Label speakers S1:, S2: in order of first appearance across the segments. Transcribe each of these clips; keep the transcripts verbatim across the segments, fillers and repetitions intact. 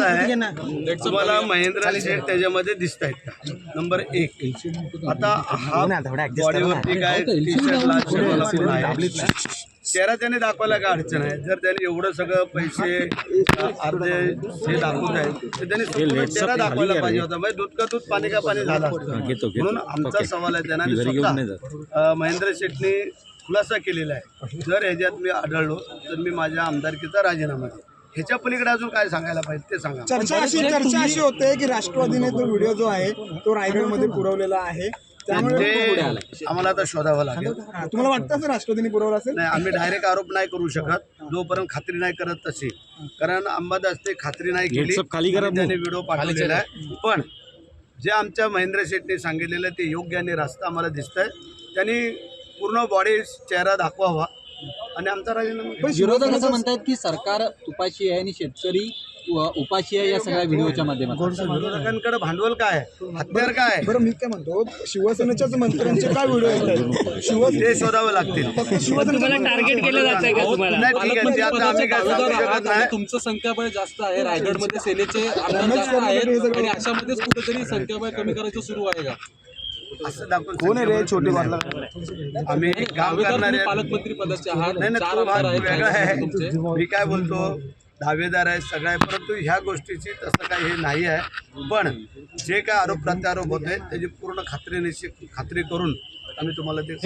S1: कसं आहे, तुम्हाला महेंद्र शेठ त्याच्यामध्ये दिसत आहेत का? नंबर एक. आता हा बॉडीवरती काय टी शर्ट आहे, चेहरा त्याने दाखवायला काय अडचण आहे? जर त्याने एवढं सगळं पैसे अर्धे हे दाखवत आहेत तर त्याने स्वतःचा चेहरा दाखवायला पाहिजे होता. म्हणजे दूध का दूध पाणी का पाणी झालं असतं. म्हणून आमचा सवाल आहे त्यांना, स्वतः महेंद्र शेठने खुलासा केलेला आहे, जर ह्याच्यात मी आढळलो तर मी माझ्या आमदारकीचा राजीनामा देईन. ह्याच्या पलीकडे अजून काय सांगायला पाहिजे ते सांगा.
S2: चर्चा अशी चर्चा अशी होते की राष्ट्रवादीने तो व्हिडिओ जो आहे तो रायगडमध्ये पुरवलेला आहे, त्यामुळे
S1: आम्हाला आता शोधावं लागेल.
S2: तुम्हाला वाटतं असं राष्ट्रवादीने पुरवला असेल?
S1: नाही, आम्ही डायरेक्ट आरोप नाही करू शकत जोपर्यंत खात्री नाही करत तशी, कारण अंबादासने खात्री नाही केली, त्याने व्हिडिओ पाठवलेला आहे. पण जे आमच्या महेंद्र शेठने सांगितलेलं ते योग्य आणि रास्ता आम्हाला दिसत आहे. त्यांनी पूर्ण बॉडी चेहरा दाखवावा आणि आमचा राजीनामा.
S3: विरोधक असं म्हणतात की सरकार तुपाशी आहे आणि शेतकरी उपाशी आहे या सगळ्या व्हिडिओच्या माध्यमातून.
S1: विरोधकांकडे भांडवल काय आहे, हत्यार काय आहे?
S2: बरं, मी काय म्हणतो, शिवसेनेच्याच मंत्र्यांचे काय व्हिडिओ येतात, शिवसेने
S1: ते शोधावं लागतील.
S2: शिवसेनेला टार्गेट केलं जात आहे का तुम्हाला?
S1: नाही, ठीक आहे, ते आता आम्ही काय सांगू शकत नाही.
S4: तुमचं संख्याबळ जास्त आहे, रायगडमध्ये सेनेचे आमदार जास्त आहेत आणि अशामध्येच कुठेतरी संख्याबळ कमी करायचं सुरू आहे का?
S1: असं दाखवून
S2: कोण आहे रे छोटी बातला?
S1: आम्ही काम करणारे
S4: पालकमंत्री पदाचे आहात,
S1: नाही नाही, तो भाग वेगळा आहे. मी काय बोलतो, दावेदार आहे सगळं आहे, परंतु ह्या गोष्टीची तसं काही हे नाही आहे. पण जे काय आरोप प्रत्यारोप होत आहेत त्याची पूर्ण खात्री निश्चित खात्री करून आम्ही तुम्हाला ते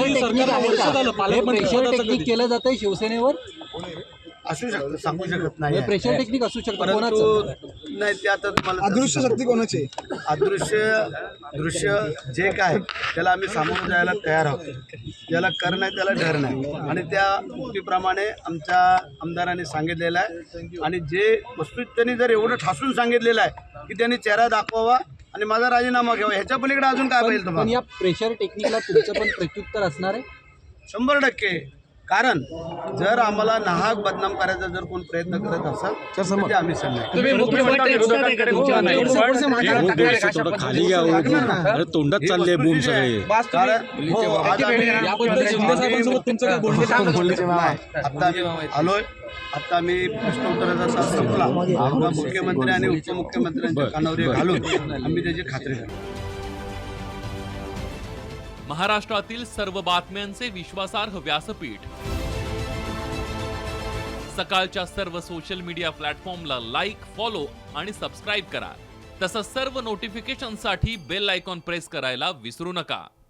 S3: प्रेशर टेक्निक केलं जातंय शिवसेनेवर,
S1: असू शकतं, सांगू शकत नाही.
S3: प्रेशर टेक्निक असू शकतं,
S1: परंतु नाही, ते आता तुम्हाला
S2: अदृश्य शक्ती कोणाची?
S1: अदृश्य दृश्य जे काय त्याला आम्ही सामोरं जायला तयार आहोत. ज्याला कर नाही त्याला डर नाही, आणि त्या उक्तीप्रमाणे आमच्या आमदारांनी सांगितलेलं आहे. आणि जे वस्तू त्यांनी जर एवढं ठासून सांगितलेलं आहे की त्यांनी चेहरा दाखवावा आणि माझा राजीनामा घ्यावा, ह्याच्या पलीकडे अजून काय पाहिजे
S3: पण
S1: तुम्हाला?
S3: या प्रेशर टेक्निकला तुमचं पण प्रत्युत्तर असणार आहे
S1: शंभर टक्के. कारण जर आम्हाला नाहक बदनाम करायचा जर कोण प्रयत्न करत असाल तर ते आम्ही सांगणार.
S5: खाली घ्या, तोंडात चालले बूम सगळे.
S1: आता आम्ही आलोय, आता आम्ही प्रश्नोत्तराचा तास संपला, मुख्यमंत्री आणि उपमुख्यमंत्र्यांच्या कानावर घालून आम्ही त्याची खात्री करतो.
S6: महाराष्ट्रातील सर्व बातम्यांचे विश्वासार्ह व्यासपीठ, सकाळच्या सर्व सोशल मीडिया प्लॅटफॉर्मला लाईक, फॉलो आणि सबस्क्राईब करा. तसंच सर्व नोटिफिकेशनसाठी बेल आयकॉन प्रेस करायला विसरू नका.